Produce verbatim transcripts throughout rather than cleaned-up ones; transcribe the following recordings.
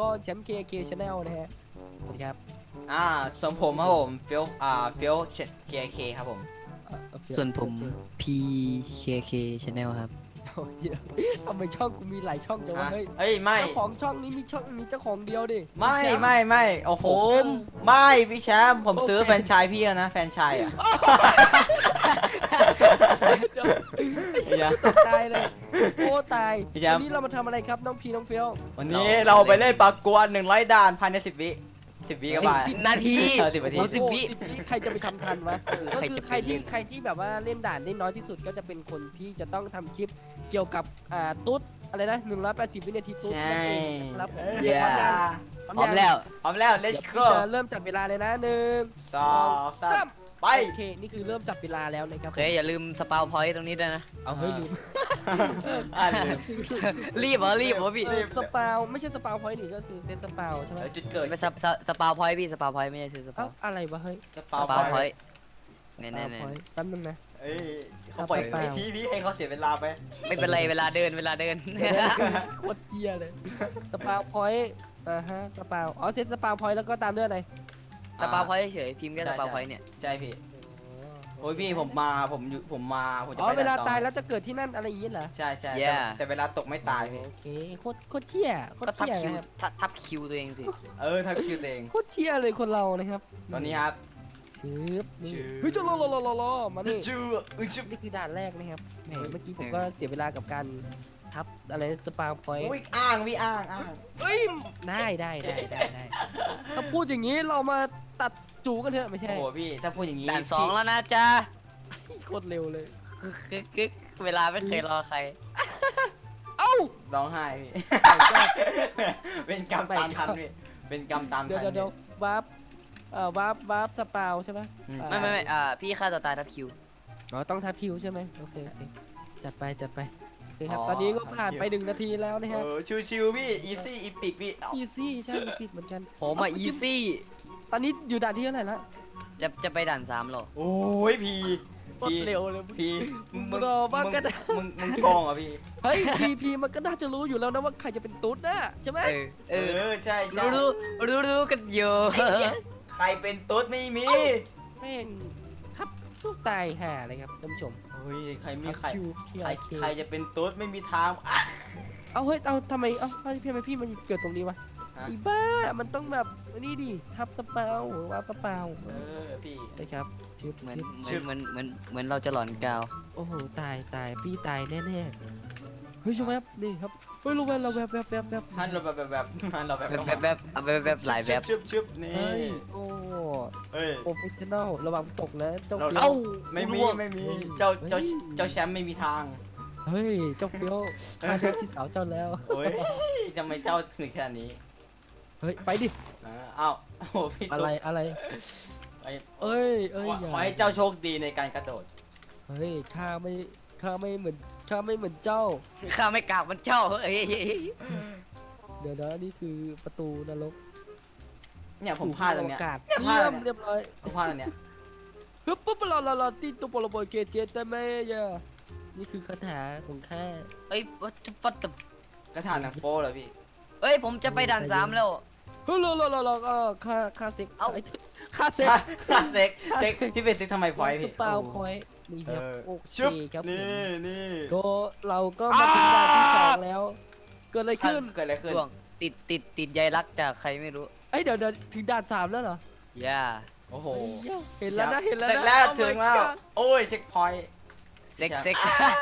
ก็แชมป์ เค เค Channel นะฮะสวัสดีครับอ่าส่วนผมครับผมเฟียวอ่าเฟียวเคเคครับผมส่วนผม พี เค เค Channel ครับโอ้ยทำไมช่องกูมีหลายช่องจังวะฮะเฮ้ยเอ้ยไม่เจ้าของช่องนี้มีช่องมีเจ้าของเดียวดิไม่แชป์ไม่ไม่โอ้โหผมไม่พี่แชมป์ผมซื้อโอเคแฟรนไชส์พี่แล้วนะแฟรนไชส์อ่ะเดี๋ยวอย่าตกตายเลยโอ้ตายพี่แชมป์วันนี้เรามาทำอะไรครับน้องพีน้องเฟียววันนี้เราไปเล่นปากกวนหนึ่งร้อยด่านภายในสิบวิสิบวิก็สิบไปสิบนาทีเออสิบนาทีโอ้สิบวิโอ้สิบวิใครจะไปทำทันวะเออก็ใครคือจะไปใครที่เล่นใครที่แบบว่าเล่นด่านได้น้อยที่สุดก็จะเป็นคนที่จะต้องทำคลิปเกี่ยวกับอ่าตุ๊ดอะไรนะหนึ่งร้อยแปดสิบวินาทีตุ๊ดใช่นั่นเองครับเอ้ยเดี๋ยวพร้อมยังพร้อมแล้วพร้อมแล้วเดี๋ยว let's พี่ go จะเริ่มจับเวลาเลยนะหนึ่งสองสามไปโอเคนี่คือเริ่มจับเวลาแล้วนะครับโอเคอย่าลืมสปาวพอยต์ตรงนี้ด้วยนะเอาเฮ้ยลืมอ่าลืมรีบเหรอรีบเหรอพี่เออสปาวไม่ใช่สปาวพอยต์นี่ก็คือเซตสปาวใช่ไหมเออจุดเกิดไม่สปสปสปาวพอยต์พี่สปาวพอยต์ไม่ใช่คือสปาเอ้าว อะไรวะเฮ้ยสสปาวปาวพพออย ยต์เนี่ยสเนี่ยปาวเนี่ยพอยต์แป๊บนึงนะเอ้ยเขาปล่อยสปาวไอ้พี่พี่ให้เขาเสียเวลาไปไม่เป็นไรเวลาเดินเวลาเดินโคตรเกียเลยสปาวพอยต์อ่าฮะสปาวอ๋อเซตสปาวพอยต์แล้วก็ตามด้วยอะไรสปาวพอยต์เฉยๆพิมพ์แค่สปาวพอยต์เนี่ยใช่พี่โอ้ยพี่ผมมาผมอยู่ผมมาผมจะอ๋อไปเวลาด่นสองตายแล้วจะเกิดที่นั่นอะไรอย่างเงี้ยเหรอใช่ใช่แย่แต่แต่เวลาตกไม่ตายพี่โอเคโคตรโคตรเที่ยโคตก็รทับเที่ยคิวนะครับทับทับคิวตัวเองสิเออถ้าคิวตัวเองโคตรเที่ยเลยคนเรานะครับตอนนี้ครับชืบนี่ชืบเฮ้ยจะรอรอรอรอรอมานี่จูอึจุนี่คือด่านแรกนะครับแหมเมื่อกี้ผมก็เสียเวลากับการทับอะไรสปาวพอยต์อุ้ยอ้างพี่อ้างอ้างเฮ้ยได้ได้ได้ได้ได้ถ้าพูดอย่างนี้เรามาตัดจูกันเถอะไม่ใช่โอ้โหพี่ถ้าพูดอย่างนี้ด่านสองพี่แล้วนะจ๊ะโคตรเร็วเลยกึกกึกกึกเวลาไม่เคยรอใครเอ้าร้องไห้พี่ เป็นกรรมตามทันพี่เป็นกรรมตามเดี๋ยวทันเดี๋ยวเดี๋ยววาร์ปเอ่อวาร์ปวาร์ปสปาวใช่ไหมอืมไม่ไม่ไม่อ่าพี่ฆ่าตัวตายทับคิวอ๋อต้องทับคิวใช่ไหมโอเคโอเคจัดไปจัดไปโอเคครับตอนนี้ก็ผ่านไปหนึ่งนาทีแล้วนะเอฮะอชิวๆพี่อีซี่อีปิกพี่เอาอีซี่ใช่ผิดเหมือนกันผมอ่ะอีซี่ตอนนี้อยู่ด่านที่เท่าไหร่ละจะจะไปด่านสามหรอโอ้ยพี่โคตรเร็วเลยพี่มึงรอบ้างก็ได้มึงมึงโกงเหรอ่ะพี่เฮ้ยพีพีมันก็น่าจะรู้อยู่แล้วนะว่าใครจะเป็นตุ๊ดนะใช่ไหมเออเอเอออใช่ใช่รู้รู้รู้รู้กันอยู่ใครเป็นตุ๊ดไม่มีแม่งทับลูกตายห่าเลยครับท่านผู้ชมเฮ้ยใครมีใครคิวพีใครไอเคใครจะเป็นตุ๊ดไม่มีทางอ่ะเอาเฮ้ยเอาทำไมเอ้าพี่ทำไมพี่มันเกิดตรงนี้วะฮะอีบ้ามันต้องแบบนี่ดิทับสเปาว่าสเปาเออพี่นะครับชึบเหมือนชึบเหมือนเหมือนเหมือนเหมือนเราจะหลอนกาวโอ้โหตายตายพี่ตายแน่ๆเฮ้ยชมแวบนี่ครับเฮ้ยลูกแวบเราแวบแวบแวบแวบฮันเราแบบแบบแบบฮันเราแบบแบบแบบแบบเอาแบบแบบหลายแบบชึบชึบนี่เฮ้ยโอ้เฮ้ยโปรเฟชชั่นอลระวังตกนะเจ้าเราเฟี้ยเอ้าวไม่มีร่วงไม่มีเจ้าเจ้าเจ้าแชมป์ไม่มีทางเฮ้ยเจ้าเฟี้ยวฆ่าเทพที่สาวเจ้าแล้วโอ้ยทำไมเจ้าถึงขนาดนี้เฮ้ยไปดิอ่าอ้าวโอ้โหพี่อะไรอะไรไอ้เอ้ยขเอ้ยออย่าขอให้เจ้าโชคดีในการกระโดดเฮ้ยข้าไม่ข้าไม่เหมือนข้าไม่เหมือนเจ้าข้าไม่กราบมันเจ้าเฮ้ยเดี๋ยวนะนี่คือประตูนรกเนี่ยผมพลาดตรงเนี้ยโอกาสเนี่ยพลาเยี่ดยมเรียบร้อยผมพลาดตรงเนี้ยฮึบปุ๊บลาลาลาตีตัวปลบอยเกเจตเมยะนี่คือคาถาของข้าเฮ้ยวัดวัดกระถางหนังโป้เหรอพี่เฮ้ยผมจะไปด่านสามแล้วเฮ้ยลาลาลาลาเออค่าค่าเซ็กเอ้าไค่าเซ็กเซ็กเซ็กพี่เป็นเซ็กทำไมพอยสพี่ปาวพอยต์นี่เอครับอโอเคชึบครับผมนี่นี่ก็เราก็มาถึงด่านที่สองแล้ว เกิดอะไรขึ้นเกิดอะไรขึ้นช่วงติดติดติดใยรักจากใครไม่รู้เอ้ยเดี๋ยวเดี๋ยวถึงด่านสามแล้วเหรอย่าโอ้โหเฮ้ยเห็นแล้วนะเห็นแล้วเสร็จนะแล้ว Oh my ถึงแล้ว God โอ้ยเช็คพอยต์เซ็กเซ็ก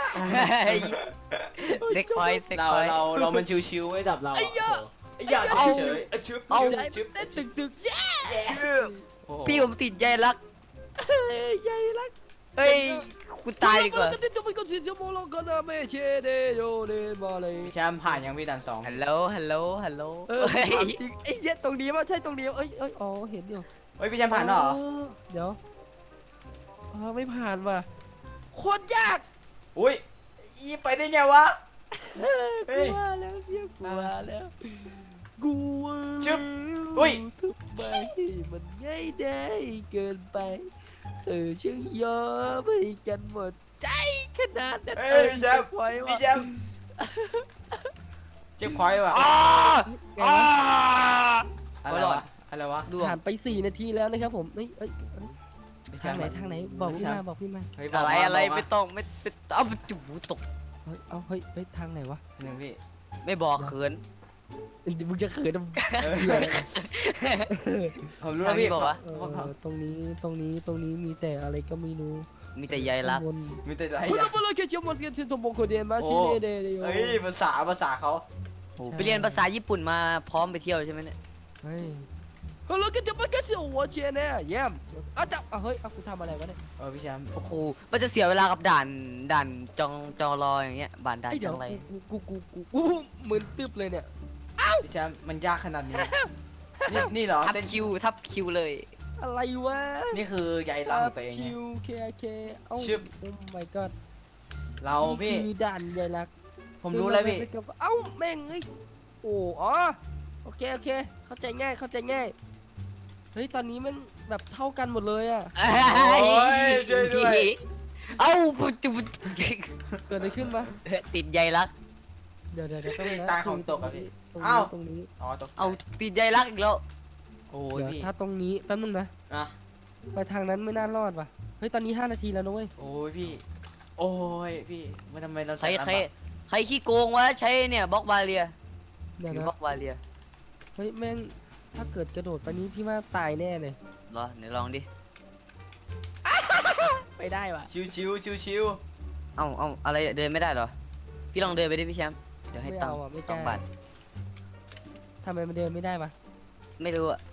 เซ็กพอยเซ็กเราพอยเราเรามันชิวๆไว้ดับเราไอ้ยะไอ้ยาเฉยๆไอ้ชึบเอาชึบใจชึบเต้นตึกตึกเย้โอ้โหพี่ผมติดใยรักใหญ่รักเฮ้ยคุณตายดีกว่าก็ติดตัวเป็นคนสิสมองเราก็น่าไม่เชเดโยเดมาเลยแชมป์ผ่านยังพี่ดันสองฮัลโหลฮัลโหลฮัลโหลเออถามจริงไอ้เหี้ยตรงนี้ว่าใช่ตรงนี้เอ้ยเอ้ยอ๋อเห็นอยู่เฮ้ยพี่แชมป์ผ่านแล้วเหรอเดี๋ยวอ๋อไม่ผ่านว่ะโคตรยากอุ้ยอีไปได้ไงวะเฮ้ยเฮ้กูยว่าแล้วเสียกูว่าแล้วกูว่าชึบอุ้ยทำไมมันง่ายได้เกินไปเธอช่างยอมให้กันหมดใจขนาดนั้นเฮ้ยพี่แชมป์ปล่อยพี่วะแชมป์แชช็คพอยต์ว่ะอ้าไงอ้าวอะไรวะอะไรวะดวงผ่านไปสี่นาทีแล้วนะครับผมเอ้ยเอ้ยเอ้ยพี่แชทางมป์ไหนทางไหนบอกพี่มาบอกพี่มาเฮ้ยบกอะไรมาอะไรบกาไม่ต้องไม่ไม่เอาไปจูตกเฮ้ยเอาเฮ้ยเฮ้ยทางไหนวะหนึ่งพี่ไม่บอกเขินมึงจะเขินทำไมเออผมรู้แล้วพี่ทางนี้บอกว่าเออตรงนี้ตรงนี้ตรงนี้มีแต่อะไรก็ไม่รู้มีแต่ใยรักข้างบนมีแต่อะไรคุณอ่ะบอลเกจิมอนเกจิโตโมโคเดนมาชิเนเดเดโยเฮ้ยภาษาภาษาเขาโอ้ไปเรียนภาษาญี่ปุ่นมาพร้อมไปเที่ยวใช่ไหมเนี่ยเฮ้ยฮัลโหลเกจิมอนเกจิโอวเชเน่เยี่ยมอ้าวจับอ่ะเฮ้ยเอากูทำอะไรวะเนี่ยเออพี่แชมป์โอ้โหมันจะเสียเวลากับด่านด่านจองจองรออย่างเงี้ยด่านด่านไอ้จเดี๋ยอวงอะไรกูกูกูกูกูมึนตึ๊บเลยเนี่ยพี่แชมป์มันยากขนาดนี้นี่นี่เหรอทับเส้นคิวทับคิวเลยอะไรวะนี่คือใยรังของตัวเองคิเนี่ยวเคเคเอ้าชึบโอ้ my god เราพี่นี่คือด่านใหญ่ลักผมรู้แล้วพี่เอ้าแม่งเอ้ยโอ้อ๋อโอเคโอเคเข้าใจง่ายเข้าใจง่ายเฮ้ยตอนนี้มันแบบเท่ากันหมดเลยอะโอ้ยช่วยด้วยเอ้าปุ๊บปุ๊บเกิดอะไรขึ้นมาติดใยรักเดี๋ยวเดี๋ยวเดี๋ยวพี่นะตายของตกอะพี่ตรงเอ้านี้ตรงนี้อ๋อตกเอาติดใยรักอีกแล้วโอ้ยเดี๋ยวพี่ถ้าตรงนี้แป๊บนึงนะอ่ะไปทางนั้นไม่น่ารอดว่ะเฮ้ยตอนนี้ห้านาทีแล้วนะเว้ยโอ้ยพี่ โอ้ยพี่มันทำไมเราใครใส่ใครใครขี้โกงวะใช้เนี่ยบล็อกบาเรียเดี๋ยวถือนะบล็อกบาเรียเฮ้ยแม่งถ้าเกิดกระโดดไปนี้พี่ว่าตายแน่เลยเหรอเดี๋ยวลองดิไปได้ว่ะชิวชิวชิวชิวเอ้าเอ้าอะไรเดินไม่ได้เหรอพี่ลองเดินไปดิพี่แชมป์เดี๋ยวให้ไม่ตังเอาค์อ่ะไม่สองกล้าบาททำไมมันเดินไม่ได้วะไม่รู้อะ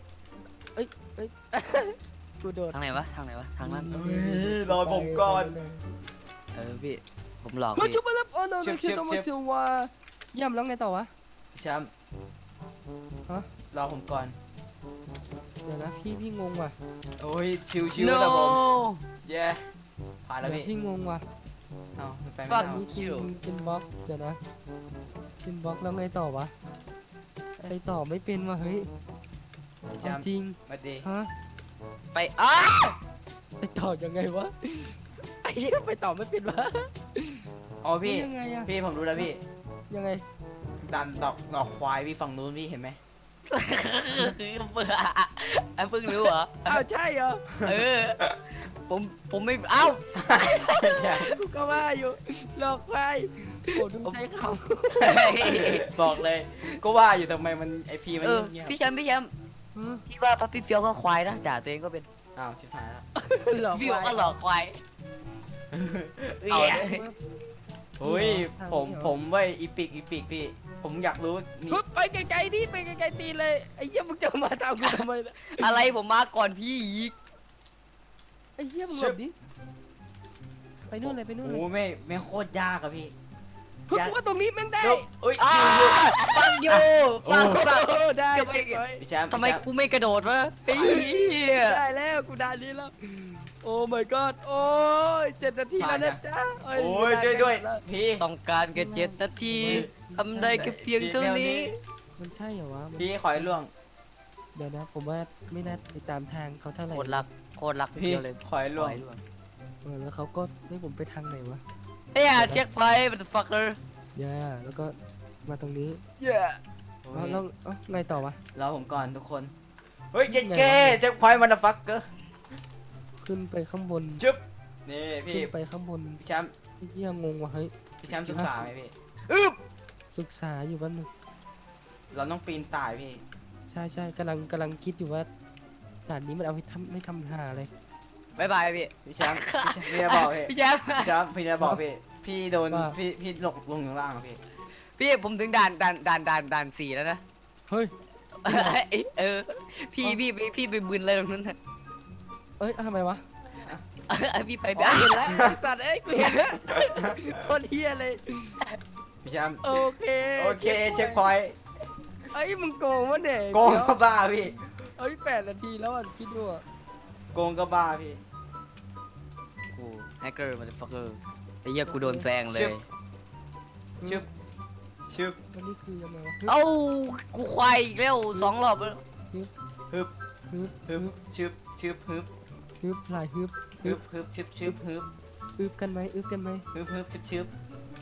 กูโดดทางไหนวะทางไหนวะทางนั้นเฮ้ยรอผมก่อนเออพี่ผมหลอกมาพี่ชุบมาแล้วโอ้โนชิเนบคิชิบโตชิมาบซิวาย่ำแล้วไงต่อวะพี่แชมป์ฮะรอผมก่อนเดี๋ยวนะพี่พี่งงว่ะโอ้ยชิวชิวโนแต่ผมเย้ผ่านแล้วเดี๋ยวพี่พี่งงว่ะเอามันไปไม่ Fuck ได้นี่คือเป็นบล็อกเดี๋ยวนะเป็นบล็อกแล้วไงต่อวะไปต่อไม่เป็นว่ะเฮ้ยพี่แชเอามป์จริงมาดีฮะไปอ้าไปต่อยังไงวะไอ้เหี้ยไปต่อไม่เป็นวะอ๋อพี่ยังไงอะพี่ผมรู้แล้วพี่ยังไงดันดอกดอกควายพี่ฝั่งนู้นพี่เห็นไหมเบื่ออ่ะเพิ่งรู้เหรออ้าวใช่เหรอเออผมผมไม่เอ้าใช่กูก็ว่าอยู่หลอกไปโอ้ดูใจเขาบอกเลย ก็ว่าอยู่ทำไมมันไอพีมันเออเงียบพี่แชมป์พี่แชมป์หือพี่ว่าพับพี่เฟียวก็ควายนะด่าตัวเองก็เป็นอ้าวชิบหายแล้วหลอกพี่ไปก็หลอกควายเอ้เอายเลยเฮ้ยผมผมเว้ยอีปิกอีปิกพี่ ผมอยากรู้นี่ฮึบไปไกลๆดิไปไกลๆตีเลยไอ้เหี้ยมึงจะมาตามกูทำไมล่ะอะไรผมมาก่อนพี่อีกไอ้เหี้ยมึงหลบดิไปนู่นเลยไปนู่นเลยโอ้ไม่ไม่โคตรยากอะพี่ฮึบกูว่าตรงนี้แม่งได้เดี๋ยวเอ้ยอ้าชิวอยู่ฟังอยู่ฟังฟังโอ้ได้เก็บไว้เก็บไว้พี่แชมป์ทำไมพี่แชป์กูไม่กระโดดวะเฮ้ยได้แล้วกูได้นี้แล้วโอ้ my god โอ้ยเจ็ดนาทีแล้วนะจ๊ะโอ้ยช่วยด้วยพี่ต้องการแค่เจ็ดนาทีทำได้แค่เพียงเท่านี้มันใช่เหรอวะมันพี่ขอให้ล่วงเดี๋ยวนะผมว่าไม่น่าไปตามทางเขาเท่าไหร่โคตรรักโคตรรักพี่เดียวเลยขอให้ล่วงเออแล้วเขาก็ให้ผมไปทางไหนวะเฮ้ยเช็คไพร์มันฟักเกอร์ย่าแล้วก็มาตรงนี้เย้โอ้แล้วยแล้วเอ้าไงต่อวะรอผมก่อนทุกคน เฮ้ยเย็นเก้เจ็คพอยต์มันฟักเกอร์ขึ้นไปข้างบนจุ๊บนี่พี่ขึ้นไปข้างบนพี่แชมป์ไอ้เหี้ยงงว่ะเฮ้ยพี่แชมป์ศึกษาไหมพี่ศึกษาอยู่แป๊บนึงเราต้องปีนต่ายพี่ใช่ใช่กำลังกำลังคิดอยู่ว่าด่านนี้มันเอาให้ทำไม่ทำหาอะไรบายบายพี่พี่แชมป์พี่จะบอกพี่พี่แชมป์พี่แชมป์พี่จะบอกพี่ พี่โดนว่าพี่พี่หลกลงอยู่ข้างล่างอะพี่พี่ผมถึงด่านด่านด่านด่านด่านสี่แล้วนะเฮ้ยเออพี่พี่พี่พี่ไปบึนอะไรตรงนั้นน่ะเอ้ยทำไมวะพี่ไปอ๋อเห็นแล้วไอ้สัตว์เอ้ยกูเห็นแล้วโคนเฮียเลยพี่แชมป์โอเคโอเคเช็คพอยต์เอ้ยมึงโกงวะเนี่ยโกงก็บ้าพี่เอ้ยแปดนาทีแล้วอ่ะคิดดูอ่ะโกงก็บ้าพี่กูแฮกเกอร์มันฟักเกอร์ไอ้เหี้ยกูโดนแซงเลยชึบชึบวันนี้คือยังไงวะเอ้ากูควายอีกแล้วสองรอบแล้วฮึบฮึบฮึบชึบชึบฮึบฮึบหลายฮึบฮึบฮึบชึบชึบฮึบอึบกันไหมอึบกันไหมฮึบฮึบชึบชึบ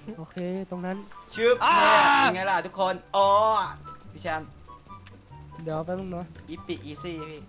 โอเคตรงนั้นชึบอ่าเนี่ยเป็นไงล่ะทุกคนอ๋อพี่แชมป์เดี๋ยวแป๊บนึงเนาะอีปิอีซี่พี่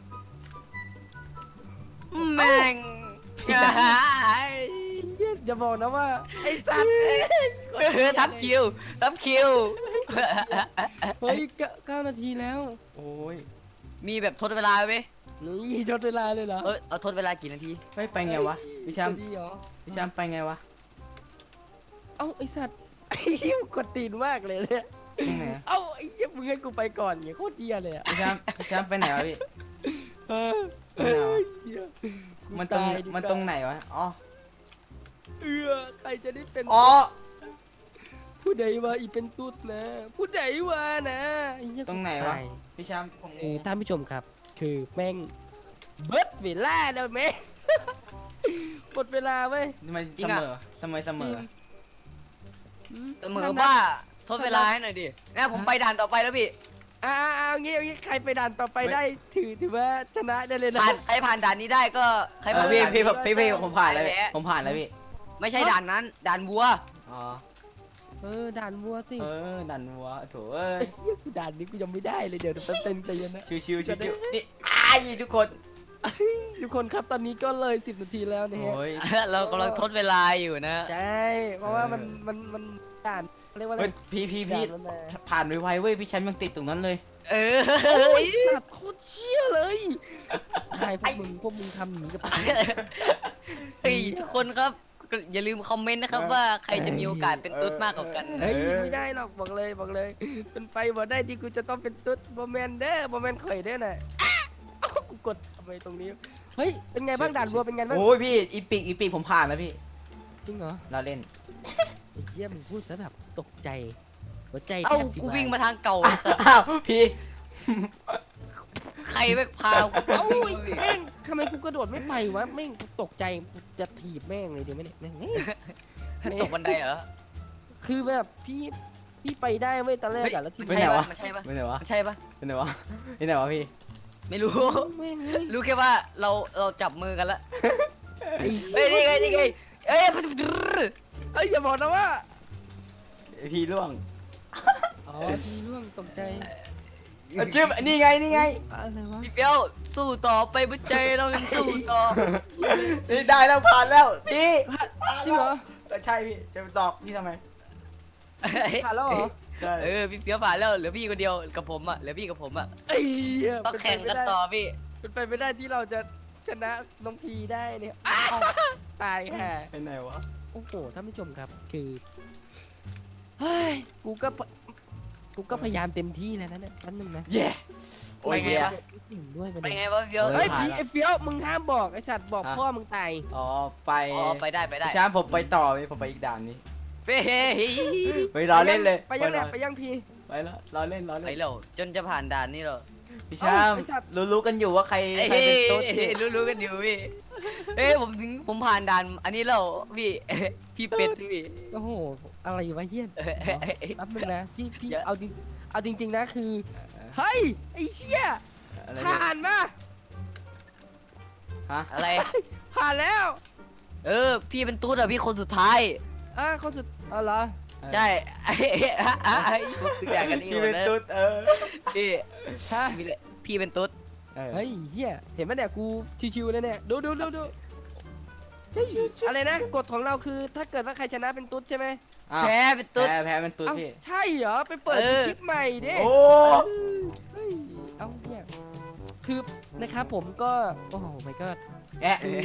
แม่งพี่แชมป์เหี้ยอย่าบอกนะว่าไอ้สัตว์เออทับคิวทับคิวเฮ้ยเก้าเก้านาทีแล้วโอ้ยมีแบบทดเวลาไหมนี่จดเวลาเลยเหรอเออเอาทดเวลากี่นาทีเฮ้ยไปไงวะพี่แชมป์จะดีเหรอพี่แชมป์ไปไงวะเอ้าไอ้สัตว์ไอ้เหี้ยกดตีนมากเลยเนี่ยตรงไหนอะเอ้าไอ้เหี้ยมึงให้กูไปก่อนไงโคตรเหี้ยเลยอ่ะพี่แชมป์พี่แชมป์ไปไหนวะพี่เออตรงไหนวะเหี้ยกูมันตรงายดีกว่ามันตรงไหนวะอ๋อเออใครจะได้เป็นอ๋อผู้ใดว่าอีเป็นตุ๊ดนะ ผู้ใดว่านะอ้เยตรงไหนวะตายพี่แชมป์ผมงเออง ท่านผู้ชมครับ คือแม่งเบิร์ดเวลาแล้วแม่ง หมดเวลาเว้ยมันจริเสงอะมอเสมอเสมอเสมอว่าทดเวลาให้หน่อยดินะผมไปด่านต่อไปแล้วพี่อ่าเอางี้เอางี้ใครไปด่านต่อไปได้ถือถือว่าชนะได้เลยนะผ่านใครผ่านด่านนี้ได้ก็ใครเอผ่าอน พี่ด่านพี่นี้พี่พี่ผมผ่านแล้วแพ้ผมผ่านแล้วพี่ไม่ใช่ด่านนั้น ด่านวัวอ๋อเออด่านวัวสิเออดันวัวโถเอ้ยเฮ้ยกูด่านนี้กูยังไม่ได้เลยเดี๋ยวแป๊บเต็มใจเย็นนะชิวชิวชิวชิวนี่อ้ายทุกคนทุกคนครับตอนนี้ก็เลยสิบนาทีแล้วนะฮะโอ้ยเรากำลังทดเวลาอยู่นะใช่เพราะว่ามันเออมันมันด่านเรียกว่าอะไรเฮ้ยพี่พี่พี่ด่านมันมาผ่านไวๆเว้ยพี่แชมป์ยังติดตรงนั้นเลยเออโอ้ยสัตว์โคตรเชี่ยเลยใช่พวกมึงพวกมึงทำหนีกับกูเฮ้ยทุกคนครับอย่าลืมคอมเมนต์นะครับว่าใครจะมีโอกาสเป็นตุ๊ดมากกว่ากันเฮ้ยไม่ได้หรอกบอกเลยบอกเลยเป็นไปบ่ได้ดีกูจะต้องเป็นตุ๊ดบอแมนเด้อบอแมนข่อยเด้อน่ะอ้าเอ้ากูกดทำไมตรงนี้เฮ้ยเป็นไงบ้างด่านวัวเป็นไงบ้างโอ้ยพี่อีปิกอีปิกผมผ่านแล้วพี่จริงเหรอเราเล่นไอ้เหี้ยมึงพูดซะแบบตกใจหัวใจเอ้าแทบสิกูวายวิ่งมาทางเก่าไอ้สัสอ้าวพี่ใครไปพากูเอ้าแม่งทำไมกูกระโดดไม่ไปวะแม่งกูตกใจกูจะถีบแม่งเลยดีไหมเนี่ยแม่งเฮ้ยตกบันไดเหรอคือแบบพี่พี่ไปได้เว้ยตอนแรกอะแล้วทีมันนี้ใช่ปะมันใช่ปะไปไหนวะมันใช่ปะไปไหนวะไปไหนวะพี่ไม่รู้แม่งเฮ้ยรู้แค่ว่าเราเราจับมือกันละไอ้เฮ้ยนี่ไงนี่ไงเอ้ยเอ้ยอย่าบอกนะว่าพี่ล่วงอ๋อพี่ร่วงตกใจเอาจืบนี่ไงนี่ไงอะไรวะพี่เฟี้ยวสู้ต่อไปบุญใจเรายังสู้ต่อนี่ได้แล้วผ่านแล้วพี่จริงเหรอเออใช่พี่จะไปตอบพี่ทำไมผ่านแล้วเหรอใช่เออพี่เฟี้ยวผ่านแล้วเหลือพี่คนเดียวกับผมอ่ะเหลือพี่กับผมอ่ะไอ้เหี้ยต้องแข่งกันต่อพี่เป็นไปไม่ได้ที่เราจะชนะน้องพีได้เนี่ยอ้าวตายแห่ไปไหนวะโอ้โหท่านผู้ชมครับคือเฮ้ยกูก็พกูก็พยายามเต็มที่แล้วนะเนี่ยแป๊บนึงนะเย่โอ้ยไปไงเย่วะหนึ่งด้วยไปไงวะพี่เฟี้ยวเออเฮ้ยผ่านพี่แล้วไอ้เฟี้ยวมึงห้ามบอกไอ้สัตว์บอกฮะพ่อมึงตายอ๋อไปอ๋อไปได้ไปได้พี่ช้างผมไปต่อพี่ผมไปอีกด่านนี้เฮ้ยไปรอเล่นเลยไปยังเนี่ยรอไปยังพีไปแล้วรอเล่นรอไปเล่นแล้วจนจะผ่านด่านนี้หรอพี่ช้างเอ้าไอ้สัตว์รู้รู้กันอยู่ว่าใครเฮ้ยใครเป็นตุ๊ดพี่รู้ๆกันอยู่พี่เอ้ยผมถึงผมผ่านด่านอันนี้แล้วพี่พี่เป็ดพี่โอ้โหอะไรวะเฮี้ยนแป๊บนึงนะพี่พี่เยอะเอาจริงเอาจริง ๆนะคือเฮ้ยไอ้เชี่ยอะไรผ่านมาฮะอะไรผ่านแล้วเออพี่เป็นตุ๊ดอะพี่คนสุดท้ายอ่ะคนสุดอ๋อเหรอใช่ไอ้ไอ้ผมสึกอยากกันเองพี่หมเป็ดนนะตุ๊ดเออพี่ฮะพี่เลยพี่เป็นตุ๊ดเออเฮ้ยเฮียเห็นไหมเนี่ยกูชิวๆเลยเนี่ยดูดูดูดูเฮ้ยอะไรนะกฎของเราคือถ้าเกิดว่าใครชนะเป็นตุ๊ดใช่ไหมอ้าวแพ้เป็นตุ๊ดแพ้แพ้เป็นตุ๊ดเอ้าพี่ใช่เหรอไปเปิดเออคลิปใหม่ดิโอ้เฮ้ยเอ้าเนี่ยคือนะครับผมก็โอ้โหไม่ก็แอะเออ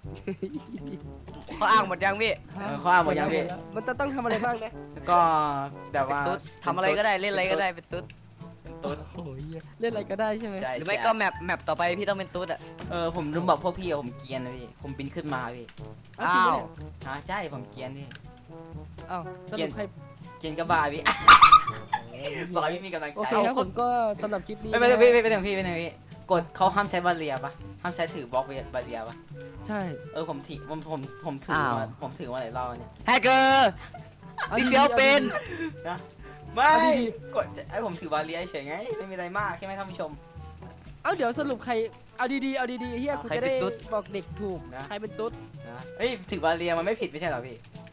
เขาอ้างหมดยังพี่เออข้ออ้างหมดยังพี่มันจะต้องทำอะไรบ้างนะแล้วก็แบบเป็นว่าตุ๊ดทำอะไรก็ได้เล่นอะไรก็ได้เป็นตุ๊ดเป็นตุ๊ดโอ้ยเล่นอะไรก็ได้ใช่ไหมใช่หรือไม่ก็แมปแมปต่อไปพี่ต้องเป็นตุ๊ดอะเออผมลืมบอกพวกพี่อะผมเกรียนนะพี่ผมบินขึ้นมาพี่เอ้าจริงปะเนี่ยฮะใช่ผมเกรียนพี่เอ้าสรุปใครเกรียนกระบาพี่ บอกให้พี่มีกำลังโอใจเคครับผมก็สำหรับคลิปนี้ไม่ไม่นะไม่ไม่ไม่ถึงพี่ไม่ถึงพี่กดเขาห้ามใช้บาเรียปะห้ามใช้ถือบล็อกบาเรียปะใช่เออผมถือผมผมผมถือมาผมถือมาหลายรอบเนี่ยแฮกเกอร์อาพี่ดีๆเฟี้ยวเป็นนะไม่เอาดีกดไอผมถือบาเรียเฉยไงไม่มีอะไรมากแค่ไม่ท่านผู้ชมเอาเดี๋ยวสรุปใครเอาดีๆเอาดีๆเฮียกูจะได้บอกเด็กถูกนะใครเป็นตุ๊ดนะเฮ้ยถือบาเรียมันไม่ผิดไม่ใช่เหรอพี่ถื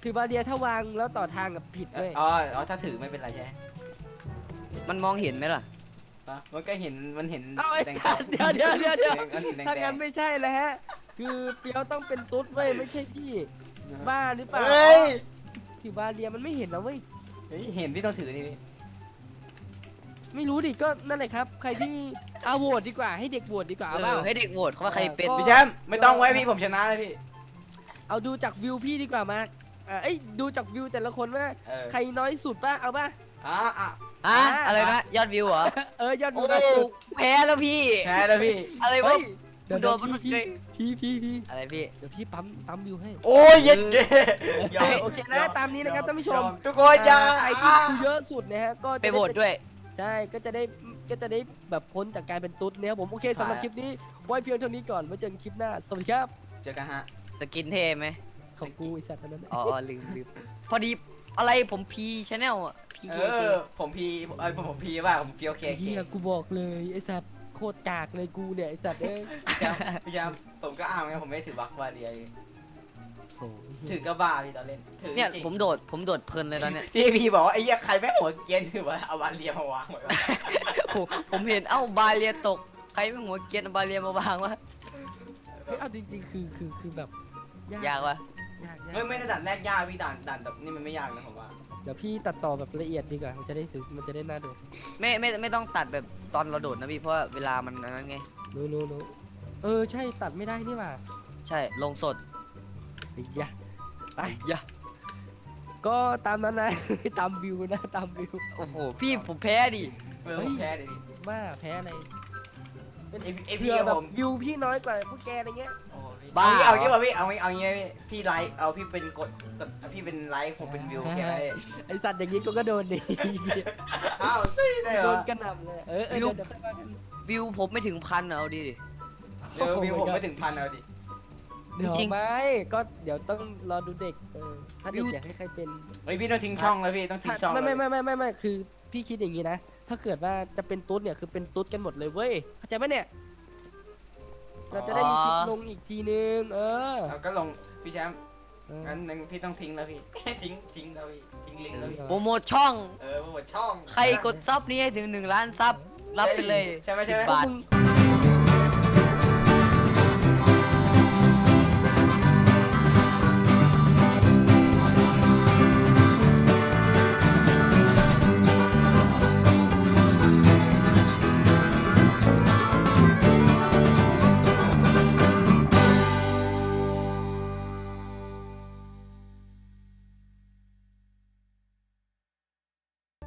ถือบาเรียถ้าวางแล้วต่อทางกับผิดเลยอ๋ออ๋อถ้าถือไม่เป็นไรใช่ไหมมันมองเห็นไหมล่ะอ่ะมันก็เห็นมันเห็นเอาไอ้แดงสัตว์เดี๋ยวเดี๋ยวเดี๋ยวเดี๋ยวมันเห็นแดงถ้าแดงั้งนไม่ใช่แล้วฮะ คือเปียวต้องเป็นตุ๊ดเว้ยไม่ใช่พี่บ้าหรือเปล่าเฮ้ยถือบาเรียมันไม่เห็นแล้วเว้ยเฮ้ยเห็นพี่ต้องถือนี่พี่ไม่รู้ดิก็นั่นแหละครับ ใครที่เอาโหวตดีกว่าให้เด็กโหวตดีกว่าเอเอาเปล่าอให้เด็กโหวตเขาว่าใครเป็นก็พี่แชมป์ไม่ต้องไว้พี่ผมชนะเลยพี่เอาดูจากวิวพี่ดีกว่ามาอ่าเอ้ยดูจากวิวแต่ละคนว่าเออใครน้อยสุดป่ะเอาป่ะอ่ะอ่ะอ่ะอ่ะอะไรนะยอดวิวเหรอเออยอดวิโอ้วน้อยสุดแพ้แล้วพี่แพ้แล้วพี่อะไรวะเฮ้ยเดี๋ยวโดเดี๋ยวนมันพี่เลยพี่พี่พี่อะไรพี่เดี๋ยวพี่ปั๊มปั๊มวิวให้โอ้ยเย็ดเก้เออโอเคนะตามนี้นะครับท่านผู้ชมทุกคนอย่าใครที่ดูเยอะสุดนะฮะก็จะไปโหวตด้วยใช่ก็จะได้ก็จะได้แบบพ้นจากการเป็นตุ๊ดเนี่ยครับผมโอเคสำหรับคลิปนี้ไว้เพียงเท่านี้ก่อนไว้เจอกันคลิปหน้าสวัสดีครับเจอกันฮะสกินเท่ไหมของกูไอสัตว์อันนั้นน่ะอ๋ออ๋อลืมลืมพอดีอะไรผมพีชแนลอ่ะพีเอเคเคอผมพีเอ้ยผมพีว่าผมพีโอเคไอ้โอเคเฮียกูบอกเลยไอสัตว์โคตรกากเลยกูเนี่ยไอสัตว์เอ้ยพี่แชมป์พี่แชมป์ผมก็อ้างไงผมไม่ถือบักวาเดียโอ้ยถือก็บ้าพี่ตอนเล่นถือเนี่ยจริงผมโดดผมโดดเพลินเลยตอนเนี้ยที่พี่บอกว่าไอ้เหี้ยใครแม่งหัวเกรียนถือว่าเอาวาเลียมาวางไว้วะผมผมเห็นเอ้าบาเรียตกใครไม่หัวเกรียนเอาบาเรียมาวางวะเฮ้ยเอาจริงๆคือคือคือแบบยากวะยากยากเฮ้ยไม่ได้ด่านแรกยากพี่ด่านด่านแบบนี่มันไม่ยากนะผมว่าเดี๋ยวพี่ตัดต่อแบบละเอียดดีกว่ามันจะได้ซื้อมันจะได้น่าดูไม่ไม่ไม่ต้องตัดแบบตอนเราโดดนะพี่เพราะว่าเวลามันอันนั้นไงรู้รู้รู้เออใช่ตัดไม่ได้นี่หว่าใช่ลงสดไอ้ยะไปยะก็ตามนั้นนะ ตามวิวนะตามวิวโอ้โหพี่ผมแพ้ดิเออผมแพ้เลยดิว่าแพ้อะไรเป็นไอไอเพื่พี่อกับแบบผมวิวพี่น้อยกว่าพวกแกอะไรเงี้ยโอ้พี่เอางี้เอางี้ว่ะพี่เอางี้เอางี้พี่พี่ไลฟ์เอาพี่เป็นกดกดพี่เป็นไลฟ์ผมเป็นวิวแค่ไหนไอสัตว์อย่างนี้ก็ก็โดนดิอ้าวไม่ได้เหรโดอนกระหน่ำเลยเออเออเดี๋ยวเดี๋ยวค่อยว่ากันวิวผมไม่ถึงพันอะเอาดิดิเดี๋ยววิวผมไม่ถึงพันเอาดิเดี๋ยวจริงไม่ก็เดี๋ยวต้องรอดูเด็กเออถ้าเด็กอยากให้ใครเป็นเฮ้ยพี่ต้องทิ้งช่องแล้วพี่ต้องทิ้งช่องไม่ไม่ไม่ไม่ไม่ไม่คือพี่คิดอย่างนี้นะ ถ้าเกิดว่าจะเป็นตุ๊ดเนี่ยคือเป็นตุ๊ดกันหมดเลยเว้ยเข้าใจไหมเนี่ย เราจะได้มีคลิปลงอีกทีนึง เออเราก็ลงพี่แชมป์เอองั้นงั้นพี่ต้องทิ้งแล้วพี่ ทิ้งทิ้งแล้วพี่ทิ้งลิงก์แล้วพี่โปรโมทช่องเออหมดช่องใครกดซับนี้ให้ถึงหนึ่งล้านซับรับไปเลยใช่ไหมใช่ไหมสิบบาทมึง